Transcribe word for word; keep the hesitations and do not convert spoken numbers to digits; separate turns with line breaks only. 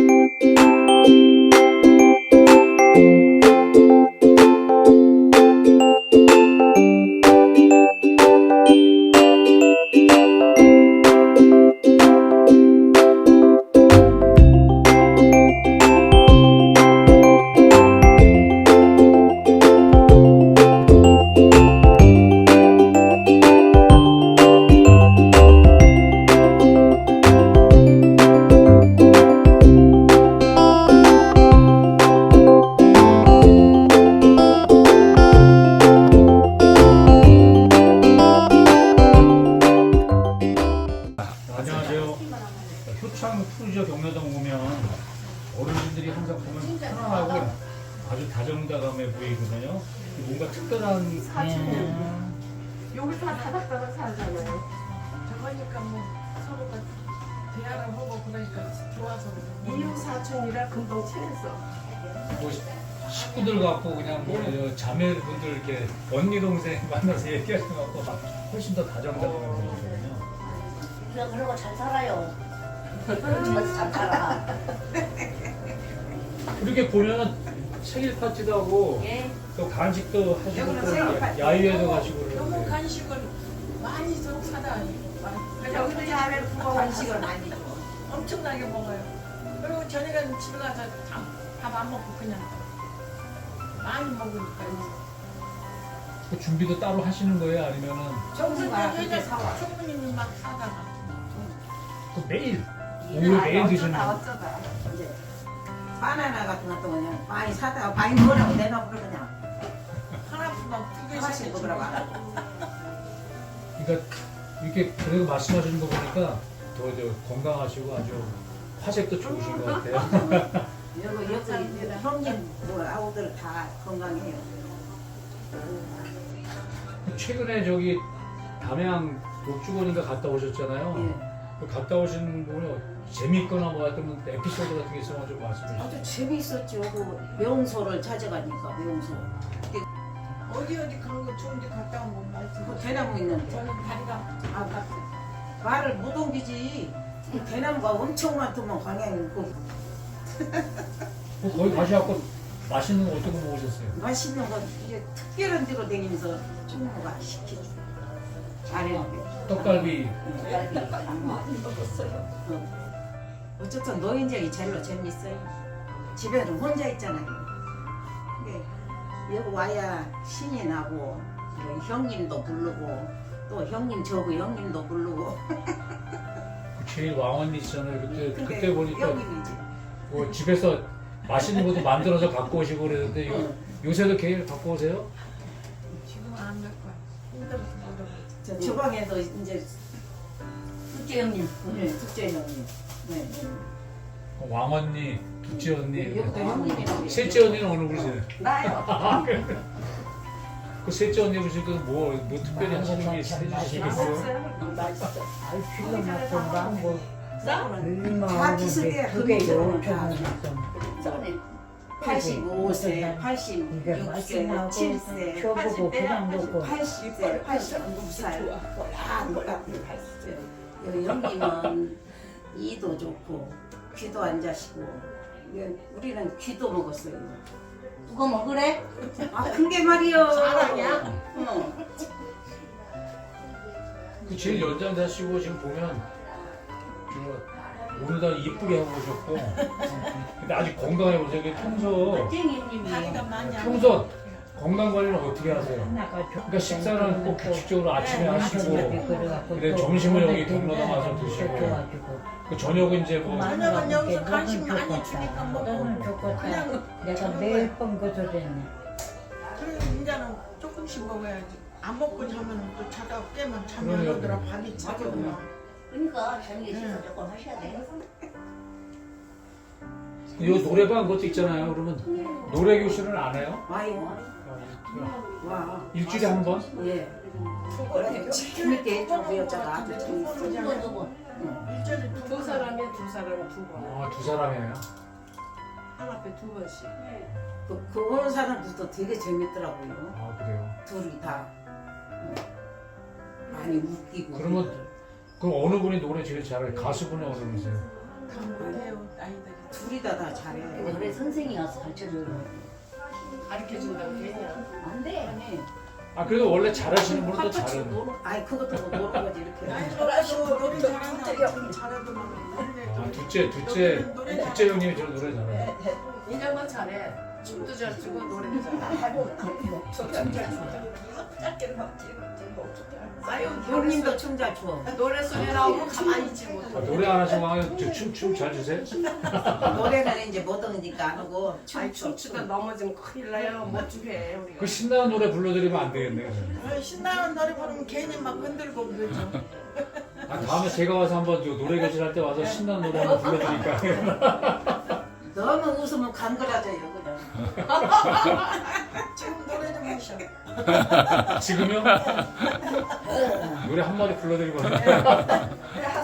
효창 푸르지오 경로당 오면 어르신들이 항상 보면 편안하고 아주 다정다감해 보이거든요. 뭔가 특별한
사촌 여기 다 다닥다닥 살잖아요. 저거니까 뭐 서로가 대화를 하고 그러니까 좋아서 이웃 사촌이라 금방 친했어.
뭐 식구들 같고 그냥 뭐 네. 자매분들 이렇게 언니 동생 만나서 얘기하는 것 같고 막 훨씬 더 다정다감해 보이거든요.
그냥 그러고 잘 살아요. 잘 살아.
이렇게 보면 생일 파티도 하고
예.
또 간식도 하시고
여기는
또
생일 파티.
야유회도 가시고
너무
그러는데
간식을 많이 좀 사다.
여기도 야외 부모 간식을 많이 줘.
엄청나게 먹어요. 그리고 저녁에는 집에 가서 밥 안 먹고 그냥 많이 먹으니까.
그 준비도 따로 하시는 거예요? 아니면은
정수가 그렇게
여자
사와.
총무님이 막 사다가.
그 매일 오늘 매일 드시는
어쩌다
거
어쩌다.
이제 바나나 같은 것도 그냥 많이 사다가 많이 먹으라고 내놔버려 그냥
하나씩 막두 개씩
하나씩 먹으라고 안 하고.
그러니까 이렇게 그래도 말씀하시는 거 보니까 더 저 건강하시고 아주 화색도 좋으신 것 같아요.
여기 여기 형님 뭐 아우들 다 건강해요.
최근에 저기 담양 녹주원인가 갔다 오셨잖아요.
예.
그 갔다 오신 분이 재미있거나 뭐 어떤 에피소드 같은 게 있으면 좀 말씀해 주세요.
아주 재미있었죠. 그 명소를 찾아가니까 명소.
어디 어디 간 거 좋은 데 갔다 온 거 말씀.
그 대나무 있는데
저는 다리가
아, 말을 못 옮기지. 이 대나무가 엄청 많더만 광양이 그
뭐 거기 가셔갖고 맛있는 거 어떤 거 먹으셨어요?
맛있는 거 이제 특별한 데로 다니면서 충무가 시켜줘. 잘해요.
떡갈비.
많이 먹었어요. 어. 어쨌든 노인정이 제일로 재밌어요. 집에는 혼자 있잖아요. 근데 여기 와야 신이 나고 뭐 형님도 부르고 또 형님 저거 형님도 부르고.
제일 왕언니시잖아요. 그때
근데
그때 보니까
형님이지.
뭐 집에서 맛있는 것도 만들어서 갖고 오시고 그랬는데 이거
응.
요새도 계속 갖고 오세요?
지금 안 갈 거야. 힘들어서 못 오고.
저 주방에서 이제
둘째 형님.
네, 둘째 형님. 네.
왕언니, 둘째 언니,
여기도 형님이라고.
셋째 언니는 어느 분이세요?
나요.
그 셋째 언니 보시니까 뭐, 뭐 특별히 하시는 게 해주시겠어요?
맛있어.
아이 필요 없어 뭐
다 비슷해.
그게
그거는 다.
요청했어.
써네.
팔십오 세, 팔십육
이게
세,
맛있나고
칠 세,
줘보고 그냥 먹고
팔십 세, 팔십구 살. 다 똑같아. 팔십 세. 여기 형님은 이도 좋고 귀도 안 자시고 이게 우리는 귀도 먹었어요.
누가 먹으래?
아 그게 말이요.
자랑이야?
응.
그 제일 연장자시고 지금 보면 저 오늘도 이쁘게 하고 오셨고 근데 아직 건강해 보세요. 이게 평소
쟁이 형님이.
다리가 많이 안
평소 건강 관리는 어떻게 하세요?
하나가 좀
그러니까 식사는 꼭 규칙적으로 아침에
네,
하시고
그래갖고
근데
또
점심을 여기
오늘
경로당 와서
또
드시고
좋아가지고
그 저녁은 이제 뭐
저녁은 여기서
먹으면
간식 많이
좋겠다.
주니까 먹고.
너는 좋겠다.
그냥
내가
저녁은-
매일 번 거절했네.
그래 이제는 조금씩 먹어야지. 안 먹고 자면 또 자다 깨면 잠이 안
그러려고.
오더라. 밤이 차거든요.
그러니까 저녁에 식사
응.
조금 하셔야 돼.
이 노래방 것도 있잖아요. 그러면 노래 교실은 안 해요?
와요. 와.
일주일에 한 번?
예. 그래 재밌게 해줘 그 여자가 아주 재밌어.
누구 누구?
일절에 두
두
번.
사람이 두 사람 두 번.
아, 두 사람이에요.
한 앞에 두 번씩.
그, 그 오는 사람들도 되게 재밌더라고요.
아, 그래요.
둘이 다 응. 많이 웃기고.
그러면 그럼 어느 분이 노래 제일 잘해요? 가수분이 어느 분이세요?
다 못해요 아이들이.
둘이 거의 다 다 잘해.
노래 선생이 와서 가르쳐줘요.
가르쳐 준다고 되냐?
안 돼.
아니,
아 그래도 원래 잘하시는 분은 또
파파치
잘하는.
노는, 아니 그것도 뭐 노는 거지 이렇게.
놀아도 노래 잘하면 잘해도
아 둘째 둘째 둘째 형님이 저 노래 잘해.
인형만 잘해. 춤도 잘 추고 노래도 잘해. 싸요.
형님도 춤 잘 춰.
노래 소리 나오고 가만히 있지
아,
못해.
노래 안 하시면 춤춤 잘 주세요.
노래는 이제 못하니까 안 하고
아이
춤
춤추다 넘어지면 큰일 나요. 못 주게 우리가.
그 신나는 노래 불러드리면 안 되겠네. 그러면.
신나는 노래 부르면 괜히 막 흔들고 그러죠.
아 다음에 제가 와서 한번 저 노래 교실 할 때 와서 신나는 노래 한번 불러드릴까.
너무 웃으면 감그라져요 그냥.
지금 노래 좀 하셔.
지금요? 노래 한 마디 불러드리고.
한